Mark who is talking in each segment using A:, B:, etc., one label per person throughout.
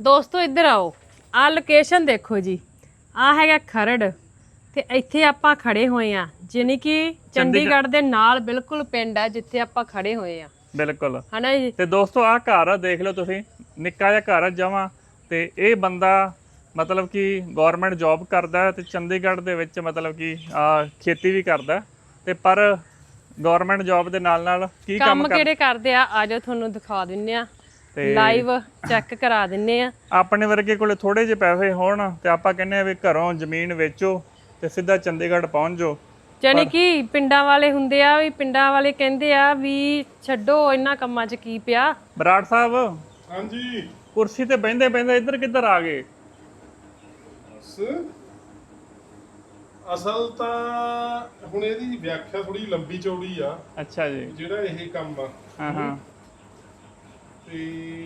A: ਦੋਸਤੋ ਇੱਧਰ ਆਓ, ਆ ਲੋਕੇਸ਼ਨ ਦੇਖੋ ਜੀ। ਆ ਹੈਗਾ ਖਰੜ ਤੇ ਇੱਥੇ ਆਪਾਂ ਖੜੇ ਹੋਏ ਆ, ਜਾਨੀ ਕਿ ਚੰਡੀਗੜ੍ਹ ਦੇ ਨਾਲ ਬਿਲਕੁਲ ਪਿੰਡ ਆ ਜਿੱਥੇ ਆਪਾਂ ਖੜੇ ਹੋਏ ਆ।
B: ਬਿਲਕੁਲ
A: ਹਨਾ ਜੀ।
B: ਤੇ ਦੋਸਤੋ ਆ ਘਰ ਦੇਖ ਲਓ ਤੁਸੀਂ, ਨਿੱਕਾ ਜਿਹਾ ਘਰ ਜਮਾਂ, ਤੇ ਇਹ ਬੰਦਾ ਮਤਲਬ ਕਿ ਗਵਰਨਮੈਂਟ ਜੌਬ ਕਰਦਾ ਤੇ ਚੰਡੀਗੜ੍ਹ ਦੇ ਵਿੱਚ ਮਤਲਬ ਕਿ ਖੇਤੀ ਵੀ ਕਰਦਾ, ਤੇ ਪਰ ਗਵਰਨਮੈਂਟ ਜੌਬ ਦੇ ਨਾਲ ਨਾਲ ਕੀ
A: ਕੰਮ ਕਿਹੜੇ ਕਰਦੇ ਆ, ਆਜੋ ਤੁਹਾਨੂੰ ਦਿਖਾ ਦਿੰਨੇ ਆ, ਲਾਈਵ ਚੈੱਕ ਕਰਾ ਦਿੰਨੇ ਆ।
B: ਆਪਣੇ ਵਰਗੇ ਕੋਲੇ ਥੋੜੇ ਜਿਹੇ ਪੈਸੇ ਹੋਣ ਤੇ ਆਪਾਂ ਕਹਿੰਦੇ ਆ ਵੀ ਘਰੋਂ ਜ਼ਮੀਨ ਵੇਚੋ ਤੇ ਸਿੱਧਾ ਚੰਡੀਗੜ੍ਹ ਪਹੁੰਚ ਜਾਓ।
A: ਜਾਨੀ ਕਿ ਪਿੰਡਾਂ ਵਾਲੇ ਹੁੰਦੇ ਆ ਵੀ, ਪਿੰਡਾਂ ਵਾਲੇ ਕਹਿੰਦੇ ਆ ਵੀ ਛੱਡੋ ਇਹਨਾਂ ਕੰਮਾਂ 'ਚ ਕੀ ਪਿਆ।
B: ਬਰਾੜ ਸਾਹਿਬ,
C: ਹਾਂਜੀ,
B: ਕੁਰਸੀ ਤੇ ਬਹਿੰਦੇ ਬਹਿੰਦੇ ਇੱਧਰ ਕਿੱਧਰ ਆ ਗਏ?
C: ਅਸਲ ਤਾਂ ਹੁਣ ਇਹਦੀ ਵਿਆਖਿਆ ਥੋੜੀ ਲੰਬੀ ਚੌੜੀ ਆ।
B: ਅੱਛਾ ਜੀ।
C: ਜਿਹੜਾ ਇਹ ਕੰਮ ਆ,
B: ਹਾਂ
C: ਤੇ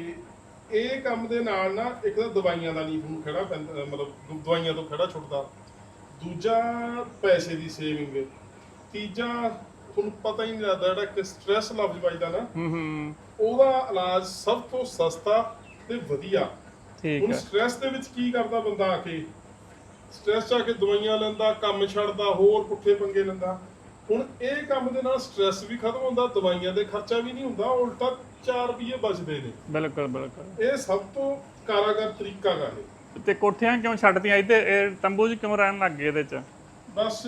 C: ਇਹ ਕੰਮ ਦੇ ਨਾਲ ਨਾ ਇੱਕ ਤਾਂ ਦਵਾਈਆਂ ਦਾ ਨਹੀਂ ਤੁਹਾਨੂੰ ਖੜਾ ਪੈਂਦਾ, ਮਤਲਬ ਦਵਾਈਆਂ ਤੋਂ ਖੜਾ ਛੁੱਟਦਾ, ਦੂਜਾ ਪੈਸੇ ਦੀ ਸੇਵਿੰਗ, ਤੀਜਾ ਤੁਹਾਨੂੰ ਪਤਾ ਹੀ ਨਹੀਂ ਲੱਗਦਾ ਜਿਹੜਾ ਕਿ ਸਟ੍ਰੈਸ ਲਫ਼ਜ਼ ਵੱਜਦਾ ਨਾ, ਉਹਦਾ ਇਲਾਜ ਸਭ ਤੋਂ ਸਸਤਾ ਤੇ ਵਧੀਆ।
B: ਠੀਕ
C: ਹੁਣ
B: ਹੈ।
C: ਸਟ੍ਰੈਸ ਦੇ ਵਿੱਚ ਕੀ ਕਰਦਾ ਬੰਦਾ, ਆ ਕੇ ਸਟ੍ਰੈਸ 'ਚ ਆ ਕੇ ਦਵਾਈਆਂ ਲੈਂਦਾ, ਕੰਮ ਛੱਡਦਾ, ਹੋਰ ਪੁੱਠੇ ਪੰਗੇ ਲੈਂਦਾ। ਹੁਣ ਇਹ ਕੰਮ ਦੇ ਨਾਲ ਸਟ੍ਰੈਸ ਵੀ ਖਤਮ ਹੁੰਦਾ, ਦਵਾਈਆਂ ਦੇ ਖਰਚਾ ਵੀ ਨਹੀਂ ਹੁੰਦਾ, ਉਲਟਾ 4 ਰੁਪਏ ਬਚਦੇ ਨੇ।
B: ਬਿਲਕੁਲ ਬਿਲਕੁਲ।
C: ਇਹ ਸਭ ਤੋਂ ਕਾਰਾਗਰ ਤਰੀਕਾ ਗਾ ਇਹ।
B: ਤੇ ਕੋਠੀਆਂ ਕਿਉਂ ਛੱਡਤੀਆਂ ਇੱਥੇ, ਇਹ ਤੰਬੂ 'ਚ ਕਿਉਂ ਰਹਿਣ ਲੱਗ ਗਏ ਇਹਦੇ 'ਚ?
C: ਬਸ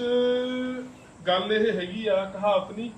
C: ਗੱਲ ਇਹ ਹੈਗੀ ਆ, ਕਹਾਵਤ ਨਹੀਂ,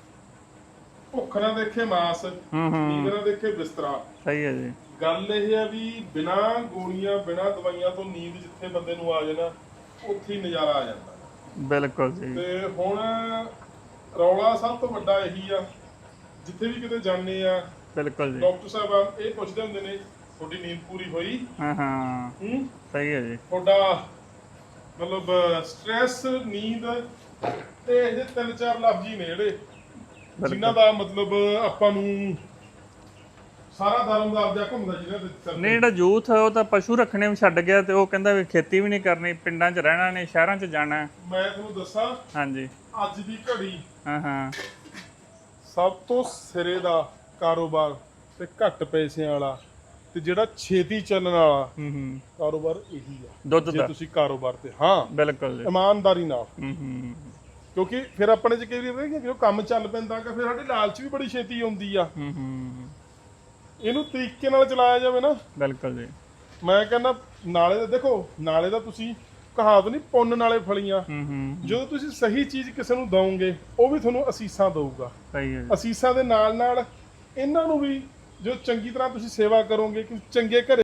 C: ਭੁੱਖ ਨਾ ਦੇਖੇ ਮਾਸ, ਨੀਂਦ ਨਾ ਦੇਖੇ ਬਿਸਤਰਾ।
B: ਸਹੀ ਹੈ ਜੀ।
C: ਗੱਲ ਇਹ ਆ ਵੀ ਬਿਨਾ ਗੋਲੀਆਂ ਬਿਨਾ ਦਵਾਈਆਂ ਤੋਂ ਨੀਂਦ ਜਿੱਥੇ ਬੰਦੇ ਨੂੰ ਆ ਜਾਣਾ, ਉੱਥੇ ਹੀ ਨਜ਼ਾਰਾ ਆ ਜਾਂਦਾ।
B: ਬਿਲਕੁਲ ਜੀ।
C: ਤੇ ਹੁਣ ਰੌਲਾ ਸਭ ਤੋਂ ਵੱਡਾ ਇਹੀ ਆ, ਜਿੱਥੇ ਵੀ ਕਿਤੇ ਜਾਂਦੇ ਆ,
B: ਬਿਲਕੁਲ ਜੀ।
C: ਡਾਕਟਰ ਸਾਹਿਬ ਇਹ ਪੁੱਛਦੇ ਹੁੰਦੇ ਨੇ, ਤੁਹਾਡੀ ਨੀਂਦ ਪੂਰੀ ਹੋਈ?
B: ਹਾਂ ਸਹੀ ਹੈ ਜੀ।
C: ਤੁਹਾਡਾ ਮਤਲਬ ਸਟ੍ਰੈਸ, ਨੀਂਦ ਤੇ ਇਹਦੇ 3-4 ਲਫ਼ਜ਼ ਹੀ ਨੇ ਜਿਹੜੇ ਜਿਨ੍ਹਾਂ ਦਾ ਮਤਲਬ ਆਪਾਂ ਨੂੰ ਸਾਰਾ ਧਰਮ ਦਾ ਆਪਦਾ ਘੁੰਮਦਾ ਜਿਹਨਾਂ ਦੇ।
B: ਨਹੀਂ, ਜਿਹੜਾ ਯੂਥ ਉਹ ਤਾਂ ਪਸ਼ੂ ਰੱਖਣੇ ਵੀ ਛੱਡ ਗਿਆ ਤੇ ਉਹ ਕਹਿੰਦਾ ਵੀ ਖੇਤੀ ਵੀ ਨਹੀਂ ਕਰਨੀ, ਪਿੰਡਾਂ 'ਚ ਰਹਿਣਾ ਨਹੀਂ, ਸ਼ਹਿਰਾਂ 'ਚ ਜਾਣਾ।
C: ਮੈਂ ਤੁਹਾਨੂੰ ਦੱਸਾਂ,
B: ਹਾਂਜੀ।
C: ਅੱਜ ਦੀ ਘੜੀ
B: ਹਾਂ
C: ਸਭ ਤੋਂ ਸਿਰੇ ਦਾ ਕਾਰੋਬਾਰ ਤੇ ਘੱਟ ਪੈਸਿਆਂ ਵਾਲਾ ਤੇ ਜਿਹੜਾ ਛੇਤੀ ਚੱਲਣ ਵਾਲਾ ਕਾਰੋਬਾਰ ਇਹੀ ਆ,
B: ਦੁੱਧ
C: ਜੇ
B: ਦਾ।
C: ਤੁਸੀਂ ਕਾਰੋਬਾਰ ਤੇ ਹਾਂ
B: ਬਿਲਕੁਲ ਜੀ।
C: ਇਮਾਨਦਾਰੀ ਨਾਲ। ਕਿਉਂਕਿ ਫਿਰ ਆਪਣੇ ਚ ਕਈ ਵਾਰੀ ਜਦੋਂ ਕੰਮ ਚੱਲ ਪੈਂਦਾ ਕਿ ਫਿਰ ਸਾਡੀ ਲਾਲਚ ਵੀ ਬੜੀ ਛੇਤੀ ਆਉਂਦੀ ਆ। ਇਹਨੂੰ ਤਰੀਕੇ ਨਾਲ ਚਲਾਇਆ ਜਾਵੇ ਨਾ।
B: ਬਿਲਕੁਲ ਜੀ।
C: ਮੈਂ ਕਹਿੰਦਾ ਨਾਲੇ ਦਾ ਦੇਖੋ, ਨਾਲੇ ਦਾ ਤੁਸੀਂ ਕਹਾਵਤ ਨਹੀਂ, ਪੁੰਨ ਨਾਲੇ ਫਲੀਆਂ। ਜਦੋਂ ਤੁਸੀਂ ਸਹੀ ਚੀਜ਼ ਕਿਸੇ ਨੂੰ ਦਵੋਗੇ, ਉਹ ਵੀ ਤੁਹਾਨੂੰ ਅਸੀਸਾਂ ਦਊਗਾ।
B: ਸਹੀ ਹੈ।
C: ਅਸੀਸਾਂ ਦੇ ਨਾਲ ਨਾਲ ਇਹਨਾਂ ਨੂੰ ਵੀ ਜੋ ਚੰਗੀ ਤਰ੍ਹਾਂ ਤੁਸੀਂ ਸੇਵਾ ਕਰੋਗੇ, ਕਿ ਚੰਗੇ ਘਰੇ